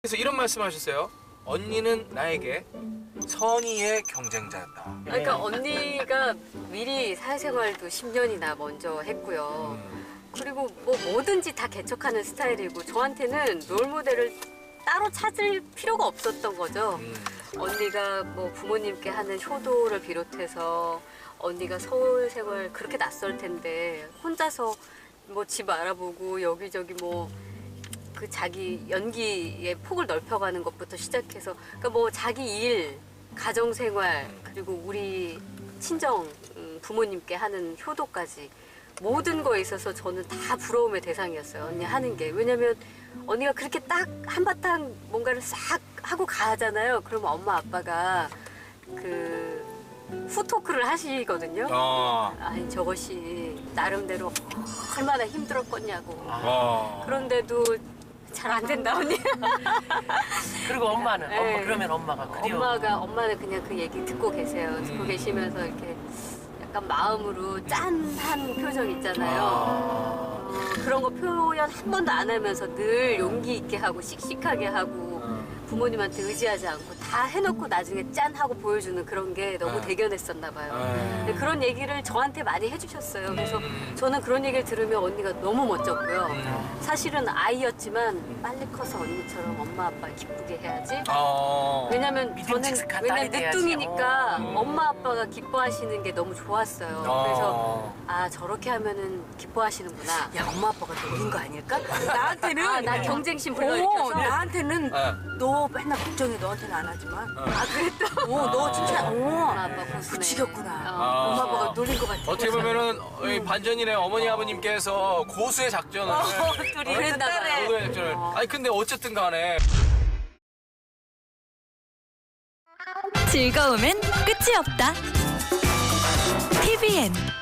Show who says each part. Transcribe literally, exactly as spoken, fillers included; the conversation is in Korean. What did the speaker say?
Speaker 1: 그래서 이런 말씀하셨어요. 언니는 나에게 선의의 경쟁자였다.
Speaker 2: 그러니까 언니가 미리 사회생활도 십 년이나 먼저 했고요.
Speaker 1: 음.
Speaker 2: 그리고 뭐 뭐든지 다 개척하는 스타일이고 저한테는 롤모델을 따로 찾을 필요가 없었던 거죠.
Speaker 1: 음.
Speaker 2: 언니가 뭐 부모님께 하는 효도를 비롯해서 언니가 서울 생활 그렇게 낯설 텐데 혼자서 뭐 집 알아보고 여기저기 뭐 그 자기 연기의 폭을 넓혀가는 것부터 시작해서 그러니까 뭐 자기 일, 가정 생활 그리고 우리 친정 음, 부모님께 하는 효도까지 모든 거에 있어서 저는 다 부러움의 대상이었어요. 언니 하는 게. 왜냐면 언니가 그렇게 딱 한바탕 뭔가를 싹 하고 가잖아요. 그러면 엄마 아빠가 그 후토크를 하시거든요.
Speaker 1: 어.
Speaker 2: 아니 저것이 나름대로 얼마나 힘들었겠냐고.
Speaker 1: 어.
Speaker 2: 그런데도 잘 안 된다 언니.
Speaker 3: 그리고 엄마는
Speaker 2: 네.
Speaker 3: 엄마 그러면 엄마가 그리워.
Speaker 2: 엄마가 엄마는 그냥 그 얘기 듣고 계세요.
Speaker 1: 음.
Speaker 2: 듣고 계시면서 이렇게 약간 마음으로 짠한 표정 있잖아요.
Speaker 1: 아.
Speaker 2: 어, 그런 거 표현 한 번도 안 하면서 늘 용기 있게 하고 씩씩하게 하고 부모님한테 의지하지 않고 다 해놓고 나중에 짠 하고 보여주는 그런 게 너무
Speaker 1: 네.
Speaker 2: 대견했었나 봐요.
Speaker 1: 네.
Speaker 2: 근데 그런 얘기를 저한테 많이 해주셨어요. 그래서
Speaker 1: 음.
Speaker 2: 저는 그런 얘기를 들으면 언니가 너무 멋졌고요.
Speaker 1: 음.
Speaker 2: 사실은 아이였지만 빨리 커서 언니처럼 엄마 아빠 기쁘게 해야지.
Speaker 1: 어.
Speaker 2: 왜냐면 저는
Speaker 3: 믿음직한
Speaker 2: 왜냐면
Speaker 3: 딸이 돼야지.
Speaker 2: 늦둥이니까
Speaker 1: 어.
Speaker 2: 엄마 아빠가 기뻐하시는 게 너무 좋았어요. 그래서
Speaker 1: 어.
Speaker 2: 아 저렇게 하면은 기뻐하시는구나.
Speaker 4: 야, 엄마 아빠가 노린 거 아닐까? 나한테는
Speaker 2: 아, 나 경쟁심
Speaker 4: 어,
Speaker 2: 불러일으켜서.
Speaker 4: 나한테는
Speaker 1: 네.
Speaker 4: 너 맨날 걱정해. 너한테는 안 하지만.
Speaker 2: 아 그랬다.
Speaker 4: 어, 너 진짜
Speaker 2: 엄마
Speaker 4: 어.
Speaker 2: 아빠 고수네.
Speaker 4: 붙이겠구나.
Speaker 2: 어,
Speaker 1: 아.
Speaker 2: 엄마 아빠가 노린 것 같아.
Speaker 1: 어떻게 보면은 이 반전이네. 어머니 아버님께서 고수의 작전을
Speaker 4: 둘이
Speaker 2: 그랬나 봐요.
Speaker 1: 고수의 작전을. 아니 근데 어쨌든 간에
Speaker 5: 즐거움엔 끝이 없다. 티비엔